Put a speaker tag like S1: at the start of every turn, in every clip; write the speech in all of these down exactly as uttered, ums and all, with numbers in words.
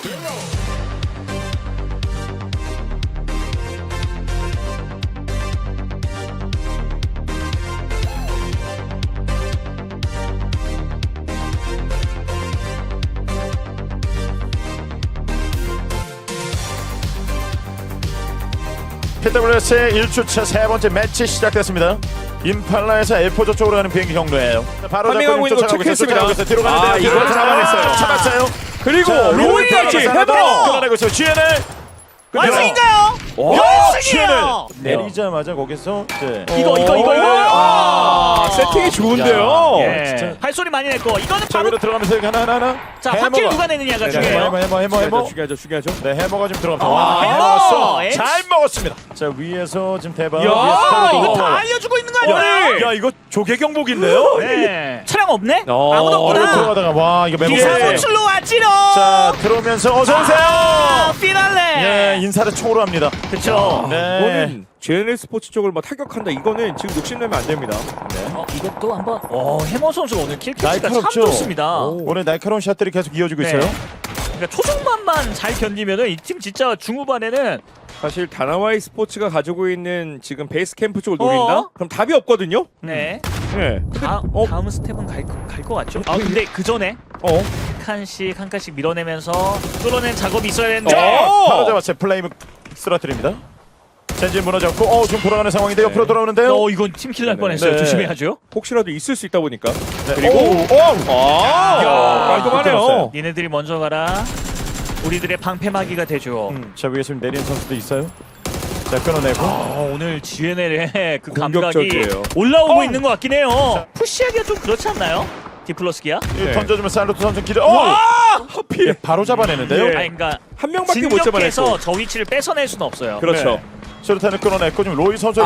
S1: 피더블유에스의 일 주차 세 번째 매치 시작됐습니다. 임팔라에서 엘포조 쪽으로 가는 비행기 경로예요. 바로
S2: 파밍하고 있는 거 체크했습니다.
S1: 뒤로 가는데
S2: 아, 이걸 잡아냈어요.
S1: 잡았어요.
S2: 그리고 로이까지 해버
S1: 끌어내고 있어요. 지엔을
S3: 완승인가요?
S1: 연승이에요.
S3: 네.
S1: 내리자마자 거기서 이제
S3: 이거 이거 이거 이거.
S2: 아, 세팅이 좋은데요.
S3: 예.
S1: 진짜.
S3: 발소리 많이 냈고 이거는
S1: 자,
S3: 바로
S1: 위로 들어가면서 하나 하나 하나.
S3: 자 확킬 누가 내느냐가
S1: 네,
S3: 중요해요.
S1: 해머 해머 해머 해머.
S2: 죽여야죠, 죽여야죠.
S1: 네, 해머가 지금 들어갑니다.
S3: 아,
S1: 와,
S3: 해머!
S1: 먹었어.
S3: 엠-
S1: 잘 먹었습니다. 자, 위에서 지금 대박.
S2: 야,
S1: 위에서
S3: 이거
S1: 떨어지고.
S3: 다 알려주고 있는 거 아니야?
S1: 야, 이거 조개 경복인데요?
S3: 네. 차량 없네?
S2: 어,
S3: 아무도
S1: 얼굴
S3: 없구나.
S1: 들어가다가 와, 이거 매복.
S3: 비상호출로 왔지롱.
S1: 자, 들어오면서 어서 오세요.
S3: 아, 피날레.
S1: 예, 인사를 총으로 합니다.
S3: 그렇죠.
S1: 네.
S2: 이거는 제이엔엘 스포츠 쪽을 막 타격한다. 이거는 지금 욕심내면 안 됩니다.
S3: 어, 이것도 한번. 어, 해머 선수 오늘 킬캐치가 참
S1: 날카롭죠?
S3: 좋습니다.
S2: 오.
S1: 오늘 날카로운 샷들이 계속 이어지고
S3: 네.
S1: 있어요.
S3: 그러니까 초중반만 잘 견디면은 이 팀 진짜 중후반에는
S2: 사실 다나와이 스포츠가 가지고 있는 지금 베이스 캠프 쪽을 노린다?
S3: 어?
S2: 그럼 답이 없거든요.
S3: 네.
S2: 네.
S3: 다,
S2: 어?
S3: 다음 스텝은 갈것 같죠? 아 근데 그 전에
S2: 어.
S3: 한 칸씩 한 칸씩 밀어내면서 뚫어낸 작업이 있어야 되는데.
S2: 어!
S1: 바로 잡았어요. 플레이브 쓰러뜨립니다. 젠진 무너졌고, 어, 지금 돌아가는 상황인데 옆으로 돌아오는데요.
S3: 어 이건 팀킬 날
S2: 네.
S3: 뻔했어요.
S1: 네.
S3: 조심해야죠.
S2: 혹시라도 있을 수 있다 보니까.
S1: 네.
S2: 그리고
S1: 오, 오.
S2: 아,
S1: 야,
S2: 깔끔하네요.
S3: 니네들이 먼저 가라. 우리들의 방패막이가 되죠.
S1: 음, 자, 위에 지금 내리는 선수도 있어요. 자, 끊어내고.
S3: 아, 오늘 지엔엘의 그 감각이
S2: 공격적이에요.
S3: 올라오고
S1: 어!
S3: 있는 것 같긴 해요. 푸시하기가 좀 그렇지 않나요? 디플러스기야?
S1: 이
S2: 네.
S1: 던져주면 살루트 선수 기대. 어!
S2: 와! 하필.
S1: 예, 바로 잡아내는데요.
S2: 네.
S3: 아니 그러니까
S2: 한 명밖에 못 잡아냈고.
S3: 진격해서 저 위치를 뺏어낼 수는 없어요.
S2: 그렇죠.
S1: 네. 수류탄을 끊어냈고 지금 로이 선수가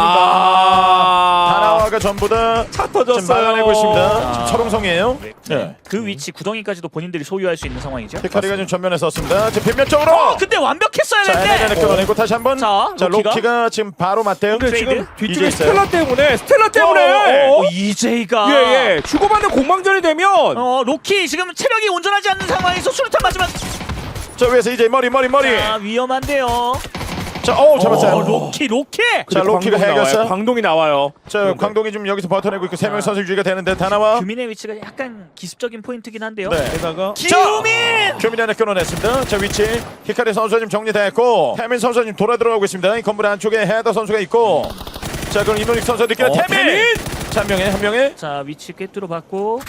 S2: 아.
S1: 다나와가 전부 다
S2: 차
S1: 지금
S2: 터졌어요.
S1: 막아내고 있습니다.
S3: 아.
S1: 지금 철옹성이에요.
S3: 네.
S1: 네.
S3: 그 위치 구덩이까지도 본인들이 소유할 수 있는 상황이죠.
S1: 히카리가 지금 전면에 섰습니다. 지금 빗면 쪽으로.
S3: 어, 근데 완벽했어야
S1: 자, 에네네
S3: 되는데.
S1: 끊어내고 다시 한번.
S3: 자,
S1: 자,
S3: 로키가?
S1: 로키가 지금 바로 맞대요.
S2: 근데
S3: 트레이드?
S2: 지금
S1: 이제
S2: 뒤쪽에
S1: 있어요.
S2: 스텔라 때문에 스텔라
S1: 어,
S2: 때문에
S3: 어, 이제이가
S2: 예예 주고받는 공방전이 되면
S3: 어, 로키 지금 체력이 온전하지 않는 상황에서 수류탄 맞으면
S1: 자, 위에서 이제 머리 머리 머리.
S3: 아, 위험한데요.
S1: 자, 어, 잡았어요.
S3: 어, 로키 로키.
S1: 자, 로키가
S2: 광동이
S1: 해결사.
S2: 나와요. 광동이 나와요.
S1: 자,
S2: 그런데.
S1: 광동이 지금 여기서 버텨내고 있고 세 명
S3: 아.
S1: 선수 유지가 되는데 다나와.
S3: 규민의 위치가 약간 기습적인 포인트긴 한데요.
S1: 네.
S2: 게다가
S3: 규민.
S1: 규민이 하나 끊어냈습니다. 자, 위치 히카리 선수가 지금 정리됐고 태민 선수가 지금 돌아 들어가고 있습니다. 이 건물 안쪽에 헤더 선수가 있고 자, 그럼 이노닉 선수가 느끼는
S2: 어,
S1: 태민!
S2: 태민!
S1: 자, 한 명에 한 명에
S3: 자, 위치 꿰뚫어 받고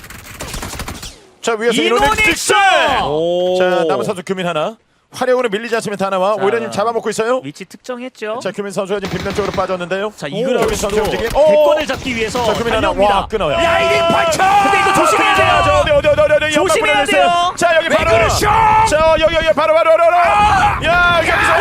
S1: 자, 위에서 이노닉
S3: 이노닉스!
S1: 직스!
S2: 오.
S1: 자, 남은 선수 규민 하나 화력으로 밀리지 않으면 다나와
S3: 자.
S1: 오히려 지금 잡아먹고 있어요.
S3: 위치 특정했죠.
S1: 자, 규민 선수가 지금 빗면 쪽으로 빠졌는데요.
S3: 자,
S1: 규민
S3: 이그라우스도
S1: 선수 움직임. 오!
S3: 대권을 잡기 위해서
S1: 자, 규민 하나
S3: 달려옵니다.
S1: 와 끊어요.
S2: 야 이게 반칙!
S3: 근데 이거 조심해야 돼요.
S1: 자, 어디 어디 어디 어디 어디
S3: 조심해야
S1: 연막
S3: 돼요.
S1: 보내주세요. 자, 여기 바로
S2: 그러셔!
S1: 자, 여기 여기 바로 바로 바로 바로. 야, 여기서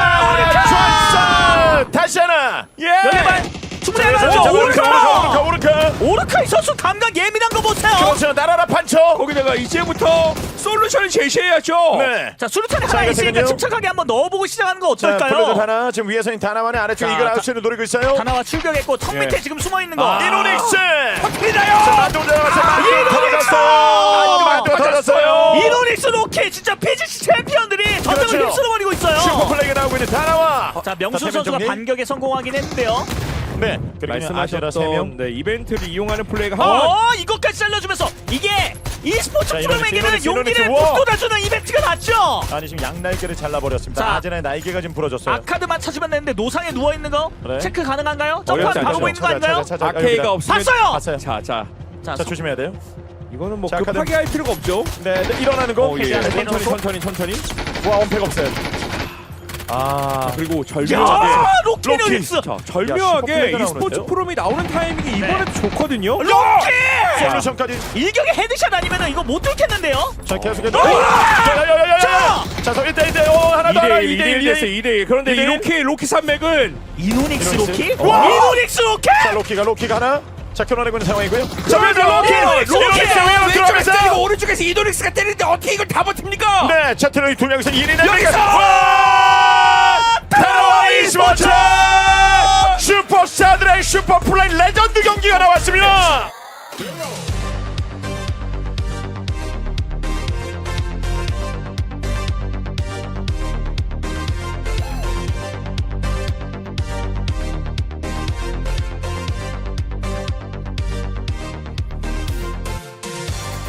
S1: 와! 좋았어. 다시 하나.
S2: 예.
S3: 연예발 충분히
S1: 자,
S3: 해야죠.
S1: 오르카 오르카 오르카.
S3: 오르카이 선수 감각 예민한 거 보세요.
S1: 그렇죠. 날아라 판쳐.
S2: 거기다가 이제부터 솔루션을 제시해야죠.
S1: 네.
S3: 자, 수류탄이
S1: 자,
S3: 하나
S1: 이거
S3: 있으니까
S1: 되면요?
S3: 침착하게 한번 넣어보고 시작하는 거
S1: 자, 플레이드
S3: 어떨까요?
S1: 하나 지금 위에서는 다나만의 아래쪽
S3: 자,
S1: 이글
S3: 다-
S1: 아웃을 노리고 있어요.
S3: 하나와 출격했고 턱 밑에
S2: 예.
S3: 지금 숨어 있는 거.
S1: 아, 이노닉스.
S2: 터뜨리나요?
S1: 만두 들어갔어요. 만두
S3: 이노닉스!
S1: 터졌어요. 만두 터졌어요.
S3: 이노닉스 로키 진짜 피지씨 챔피언들이 전장을
S1: 그렇죠.
S3: 휩쓸어버리고 있어요.
S1: 슈퍼 플레이가 나오고 있는 다나와.
S3: 자, 명수
S1: 자,
S3: 선수가
S1: 정리.
S3: 반격에 성공하긴 했는데요.
S1: 네. 그리고 아시라 세 명.
S2: 말씀하셨던 네, 이벤트를 이용하는 플레이가 한
S3: 어, 이것까지 잘라주면서 이게 e스포츠
S1: 자,
S3: 프로에게는
S1: 이노닉스,
S3: 용기를
S1: 이노닉스, 우와.
S3: 북돋아주는 이벤트가 맞죠.
S1: 아니 지금 양날개를 잘라버렸습니다.
S3: 자.
S1: 아제나의 날개가 지금 부러졌어요.
S3: 아카드만 찾으면 되는데 노상에 누워 있는 거
S1: 그래.
S3: 체크 가능한가요? 점프
S2: 어렵지
S3: 바로
S2: 않죠.
S3: 보이는 거
S1: 찾아,
S3: 아닌가요?
S1: 찾아, 찾아.
S2: 아케이가
S1: 여기다.
S2: 없으면
S3: 봤어요.
S1: 봤어요.
S2: 자, 자.
S3: 자,
S1: 자, 조심해야 돼요.
S2: 이거는 뭐
S1: 자,
S2: 급하게
S1: 카드.
S2: 할 필요가 없죠.
S1: 네, 네, 일어나는 거.
S2: 어, 예.
S3: 해제하는
S2: 천천히
S3: 해놓고.
S2: 천천히 천천히.
S1: 와, 원팩 없어요. 아,
S2: 그리고
S3: 야,
S2: 절묘하게
S3: 로키
S1: 로키.
S3: 노닉스.
S2: 자,
S1: 야,
S2: 절묘하게
S1: 슈퍼플레이가
S2: e스포츠
S1: 나오는데요?
S2: 프롬이 나오는 타이밍이 이번에도 좋거든요.
S3: 로키!
S1: 솔루션까지.
S3: 일격에 헤드샷 아니면 이거 못 뚫겠는데요?
S1: 자, 계속해서.
S3: 어!
S1: 야야야야야.
S3: 자!
S1: 자, 서 일 대 일 대 오 하나 더 하나
S2: 이 대 일 됐어요. 이 대 일. 그런데
S1: 이 대 일.
S2: 이로키 로키 산맥은
S3: 이노닉스
S1: 이노닉스.
S3: 로키?
S1: 와!
S3: 이노닉스 로키!
S1: 자, 로키가 로키가 하나. 자, 끊어내고 있는 상황이고요. 자,
S2: 자,
S1: 왼쪽
S2: 로키!
S1: 로키.
S2: 로키!
S1: 이노닉스 왼쪽
S2: 왼쪽에서
S1: 들어가면서.
S2: 때리고 오른쪽에서 이노닉스가 때리는데 어떻게 이걸 다 버팁니까?
S1: 네, 자, 트로이 두 명이서 일 인
S2: 여기서!
S1: 다나와 e스포츠 슈퍼스타들의 슈퍼플레이 레전드 경기가 나왔습니다.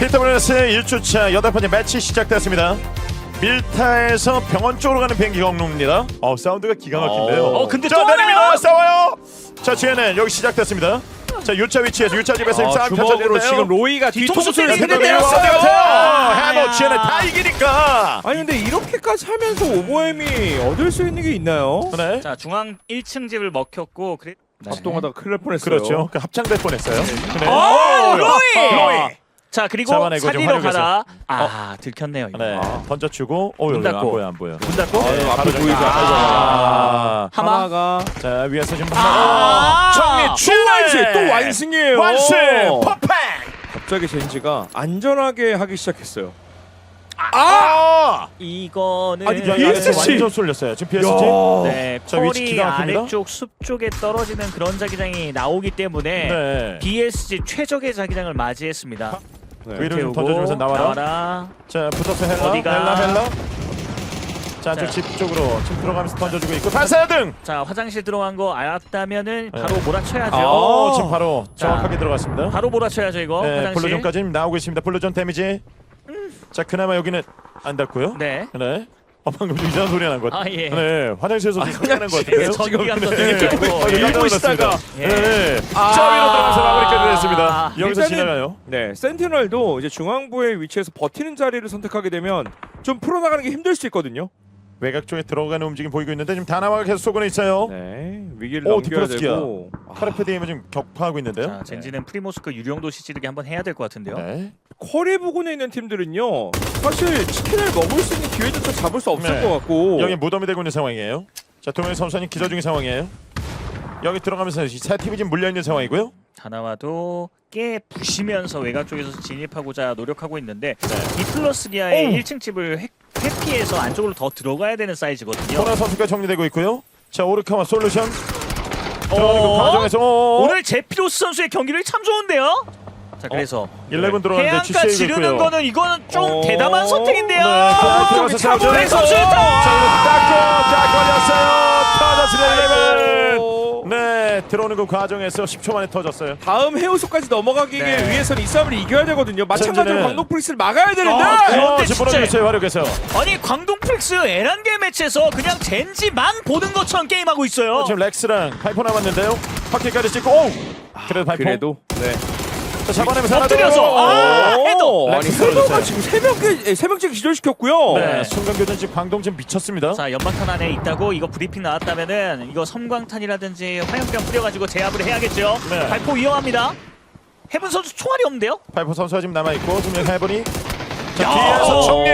S1: 피터블레스 일 주차 여덟 번째 매치 시작됐습니다. 밀타에서 병원 쪽으로 가는 비행기가 없습니다. 어 사운드가 기가 막힌데요.
S3: 어, 근데
S1: 자
S3: 또
S1: 내립니다.
S3: 하나요?
S1: 싸워요. 자 지혜는 여기 시작됐습니다. 자 유차 위치에서 유차 집에서
S2: 아,
S1: 싸움
S2: 주먹으로
S1: 펼쳐지는데요.
S2: 지금 로이가
S3: 뒤통수
S2: 뒤통수를
S3: 때리는데요.
S2: 때리는데요.
S1: 때렸어요.
S3: 아,
S1: 해노
S3: 야.
S1: 지혜는 다 이기니까.
S2: 아니 근데 이렇게까지 하면서 오버햄이 얻을 수 있는 게 있나요?
S1: 네.
S3: 자 중앙 일 층 집을 먹혔고 그래.
S2: 합동하다가 큰일 날 뻔했어요.
S1: 그렇죠. 그 합창될 뻔했어요. 네.
S3: 아, 로이!
S1: 로이.
S3: 자 그리고
S1: 잡아내고 좀
S3: 살리러
S1: 활용해서.
S3: 가다 아 들켰네요. 이거.
S1: 네.
S2: 아.
S1: 던져주고. 어
S3: 문
S1: 여기 안
S3: 닫고.
S1: 보여 안 보여.
S3: 문 닫고
S2: 아,
S1: 네,
S2: 앞에
S1: 바로
S2: 보이죠?
S1: 아.
S3: 하마.
S2: 하마가
S1: 자 위에서 지금
S3: 아.
S1: 정리
S2: 또
S1: 출래
S2: 완승! 또 완승이에요.
S1: 완승 퍼펙.
S2: 갑자기 젠지가 안전하게 하기 시작했어요.
S1: 아!
S3: 이거는
S1: 아니 야,
S2: 피에스지.
S1: 야, 완전 쏠렸어요. 지금 피에스지.
S3: 네,
S1: 자, 위치
S3: 폴이
S1: 기가 막힙니다.
S3: 아래쪽 숲 쪽에 떨어지는 그런 자기장이 나오기 때문에
S1: 네.
S3: 비에스지 최적의 자기장을 맞이했습니다.
S2: 네.
S1: 위로 좀
S3: 태우고
S1: 던져주면서 나와라.
S3: 나와라.
S1: 자 붙어서 헬라.
S3: 어디가?
S1: 헬라 헬라. 자 안쪽
S3: 자.
S1: 집 쪽으로 지금 들어가면서 던져주고 있고 발사등.
S3: 자 화장실 들어간 거 알았다면은
S1: 네.
S3: 바로 몰아쳐야죠.
S2: 아.
S1: 어 지금 바로
S3: 자.
S1: 정확하게 들어갔습니다.
S3: 바로 몰아쳐야죠 이거.
S1: 네,
S3: 화장실.
S1: 블루존까지 지금 나오고 있습니다. 블루존 데미지. 자 그나마 여기는 안 닿고요.
S3: 네.
S1: 네. 어 방금 좀 이상한 소리가 난것 같아요.
S3: 아 예.
S1: 네, 화장실에서 소리 나는 것 같은데요.
S3: 전기가 또
S1: 네.
S3: 들리고.
S1: 어,
S3: 예.
S1: 깜짝 놀랐습니다.
S3: 예.
S1: 네.
S2: 아.
S1: 자 위로 들어가서 마무리까지 했습니다.
S3: 아.
S1: 여기서
S2: 일단은-
S1: 지나가요.
S2: 네, 센티널도 이제 중앙부의 위치에서 버티는 자리를 선택하게 되면 좀 풀어나가는 게 힘들 수 있거든요.
S1: 외곽 쪽에 들어가는 움직임 보이고 있는데 지금 다나와가 계속 쏘고는 있어요.
S2: 네, 위기를
S1: 오,
S2: 넘겨야
S1: 디플러스기야.
S2: 되고. 아,
S1: 카르페디엠을 지금 격파하고 있는데요.
S3: 자 젠지는 프리모스크 유령도 시찌르기 한번 해야 될 것 같은데요.
S1: 네.
S2: 쿼리 부근에 있는 팀들은요, 사실 치킨을 먹을 수 있는 기회조차 잡을 수 없을
S1: 네.
S2: 것 같고.
S1: 여기 무덤이 되고 있는 상황이에요. 자, 도명희 선수는 기저 중인 상황이에요. 여기 들어가면서 세 팀이 지금 물려 있는 상황이고요.
S3: 다나와도 깨 부시면서 외곽 쪽에서 진입하고자 노력하고 있는데
S1: 네.
S3: 디플러스 기아의
S1: 오.
S3: 일 층 집을 회, 회피해서 안쪽으로 더 들어가야 되는 사이즈거든요.
S1: 코너 선수가 정리되고 있고요. 자, 오르카와 솔루션 들어가는 그
S3: 어?
S1: 과정에서 오,
S3: 오늘 제피로스 선수의 경기력이 참 좋은데요. 자 그래서
S1: 일레븐 들어가는데
S3: 해안가
S1: 지시에
S3: 지르는
S1: 있고요.
S3: 거는 이거는 좀
S2: 어.
S3: 대담한 선택인데요.
S1: 네, 들어가서 싸우죠.
S3: 차범근 선수
S1: 자, 딱, 딱 걸렸어요. 터졌습니다. 일레븐.
S2: 오.
S1: 네, 들어오는 그 과정에서 십 초 만에 터졌어요.
S2: 다음 해우소까지 넘어가기
S3: 네.
S2: 위해서는 이 싸움을 이겨야 되거든요. 마찬가지로
S1: 젠지는-
S2: 광동 프리스를 막아야 되는데.
S3: 아, 그런데
S1: 어, 지금
S3: 진짜-
S1: 몰아주겠어요. 활용해서.
S3: 아니 광동 프릭스 에란겔 매치에서 그냥 젠지만 보는 것처럼 게임하고 있어요.
S1: 지금 렉스랑 파이퍼 남았는데요. 바퀴까지 찍고 오! 그래도 파이퍼.
S2: 그래도 네.
S1: 자, 잡아내면서 하나
S3: 엎드려서
S1: 더.
S3: 아
S2: 오,
S3: 헤더.
S2: 아니
S1: 렉스
S2: 헤더가
S1: 떨어졌어요.
S2: 지금 세 명째 세 명째 기절시켰고요.
S1: 네,
S3: 네.
S1: 순간 교전 지금 광동 지금 미쳤습니다.
S3: 자 연막탄 안에 있다고 이거 브리핑 나왔다면은 이거 섬광탄이라든지 화염병 뿌려가지고 제압을 해야겠죠.
S1: 네.
S3: 발포 위험합니다. 해븐 선수 총알이 없는데요?
S1: 파이퍼 선수가 지금 남아 있고 지금 여기 해버니. 자,
S3: 야!
S1: 뒤에서 정리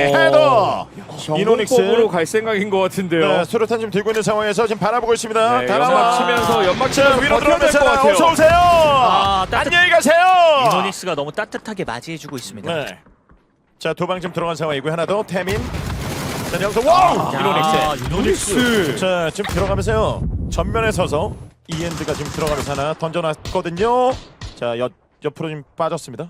S1: 헤더. 이노닉스.
S2: 정복법으로 갈 생각인 것 같은데요.
S1: 네, 수류탄 지금 들고 있는 상황에서 지금 바라보고 있습니다.
S2: 네,
S1: 다나와.
S2: 연막 치면서 연막
S1: 자,
S2: 치면서
S1: 위로
S2: 버텨야 될
S1: 들어가면서
S2: 것 같아요.
S1: 어서 오세요.
S3: 아, 따뜻-
S1: 안녕히 가세요.
S3: 이노닉스가 너무 따뜻하게 맞이해주고 있습니다.
S1: 네. 자, 도방 지금 들어간 상황이고 하나 더 태민. 자, 여기서 와우.
S3: 야,
S1: 이노닉스.
S3: 이노닉스.
S1: 자, 지금 들어가면서요. 전면에 서서 이엔드가 지금 들어가면서 하나 던져놨거든요. 자, 옆 옆으로 지금 빠졌습니다.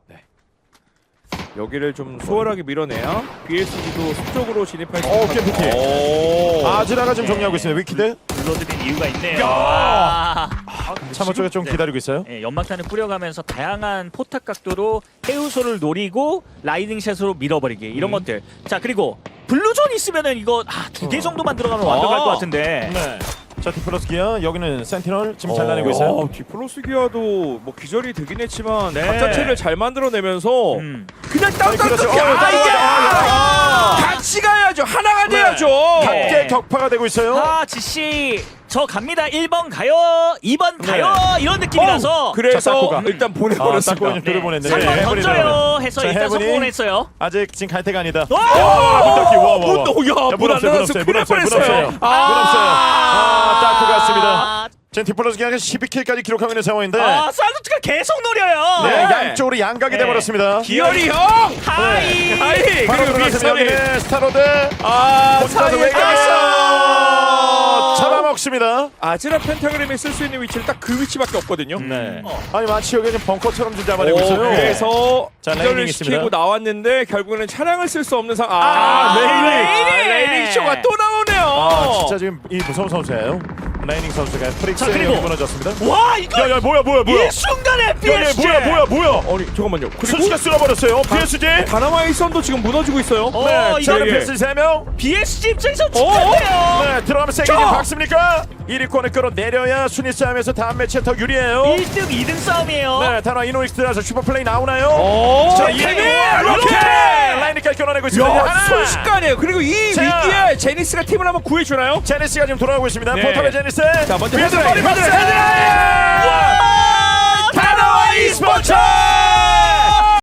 S2: 여기를 좀 수월하게 밀어내야 비에스지도 속쪽으로 진입할 수
S1: 오,
S2: 있는
S1: 캠프키.
S2: 오.
S1: 아즈라가 지금 정리하고 있습니다. 위키드.
S3: 불러드린 이유가 있네요.
S1: 야!
S3: 아.
S1: 참호 쪽에 좀
S3: 네.
S1: 기다리고 있어요.
S3: 예, 연막탄을 뿌려가면서 다양한 포탑 각도로 해우소를 노리고 라이딩샷으로 밀어버리기 이런
S2: 음.
S3: 것들. 자 그리고 블루존 있으면은 이거 아, 두 개 정도만 들어가면 완벽할
S2: 아.
S3: 것 같은데.
S1: 네. 자, 디플러스 기아 여기는 센티널 지금 잘라내고 있어요.
S2: 아, 디플로스 기아도 뭐 기절이 되긴 했지만
S3: 네.
S2: 각 자체를 잘 만들어내면서
S3: 음.
S2: 그냥
S1: 아니, 그렇죠.
S2: 땅땅땅
S1: 어,
S2: 아, 이게
S1: 아,
S2: 같이 가야죠. 하나가
S1: 네.
S2: 돼야죠.
S1: 함께 격파가 되고 있어요.
S3: 아 지씨 저 갑니다. 일 번 가요. 이 번 가요. 이런 느낌이라서
S2: 어, 그래서
S1: 자, 닦고 가.
S2: 일단
S1: 아,
S2: 보내버렸습니다.
S1: 닦고 좀 들어보냈는데.
S3: 삼 번
S1: 네, 해븐이
S3: 던져요
S1: 들어가네.
S3: 해서
S1: 자,
S3: 일단
S1: 해븐이
S3: 성공을 했어요.
S1: 아직 지금 갈 때가 아니다.
S3: 오!
S1: 와, 문 닫기. 와, 와, 와.
S2: 문, 야,
S1: 야, 문
S2: 문
S1: 없어요,
S2: 안
S1: 문
S2: 닫았어.
S1: 없어요,
S2: 큰일
S1: 문 없어요, 문
S2: 뻔했어요.
S1: 없어요. 문 없어요. 아, 닦고 갔습니다.
S3: 아,
S1: 지금 디플러스 기아가 십이 킬까지 기록하고 있는 상황인데
S3: 아 살루트가 계속 노려요.
S1: 네,
S2: 네.
S1: 양쪽으로 양각이
S3: 네.
S1: 돼버렸습니다.
S2: 기열이 형.
S3: 하이.
S2: 하이.
S1: 바로
S2: 그리고
S1: 들어가서
S2: 윗선이.
S1: 여기는 스타로드
S2: 아,
S1: 혼자서
S2: 사이에
S1: 외곽에서
S2: 아,
S1: 잡아먹습니다.
S2: 아즈라 펜타그램이 쓸 수 있는 위치는 딱 그 위치밖에 없거든요.
S1: 네.
S3: 어.
S1: 아니 마치 여기 지금 벙커처럼 좀 잡아내고
S2: 오,
S1: 있어요.
S2: 그래서
S1: 자,
S2: 기절을
S1: 레이닝
S2: 시키고
S1: 있습니다.
S2: 나왔는데 결국에는 차량을 쓸 수 없는 상황.
S3: 아, 레이닝!
S2: 레이닝 쇼가 또 나오네요.
S1: 아 진짜 지금 이 무서운 선수예요. 라이닝 선수가
S3: 자,
S1: 프릭스에
S3: 그리고.
S1: 무너졌습니다.
S3: 와 이거
S1: 야야 뭐야 뭐야 뭐야?
S3: 이 순간에
S1: 야, 야,
S3: 피에스지.
S1: 뭐야 뭐야 뭐야?
S2: 아니 잠깐만요. 그리고
S1: 순식간 쓸어버렸어요. 피에스지.
S2: 다나와의 선도 지금 무너지고 있어요.
S3: 어,
S1: 네, 자,
S3: 이거는
S1: 피에스지 세 명.
S3: 비에스지 입장에서
S2: 어?
S3: 축하해요.
S1: 네, 들어가면 세게
S2: 자.
S1: 박습니까? 일 위권을 끌어내려야 순위 싸움에서 다음 매치에 더 유리해요.
S3: 일 등 이 등 싸움이에요.
S1: 네, 다나 이노닉스 들어서 슈퍼플레이 나오나요?
S2: 오,
S1: 자,
S2: 케빈!
S1: 이렇게
S2: 이렇게!
S1: 라인까지 끊어내고 있습니다.
S2: 야,
S1: 하나.
S2: 순식간이에요. 그리고 이
S1: 자.
S2: 위기에 제니스가 팀을 한번 구해주나요?
S1: 제니스가 지금 돌아오고 있습니다.
S2: 네.
S1: 포탑의 제니스.
S2: 자, 먼저
S1: 위에서
S2: 헤드라인,
S1: 머리 박스.
S2: 헤드라인, 헤드라인!
S1: 다나와 e스포츠!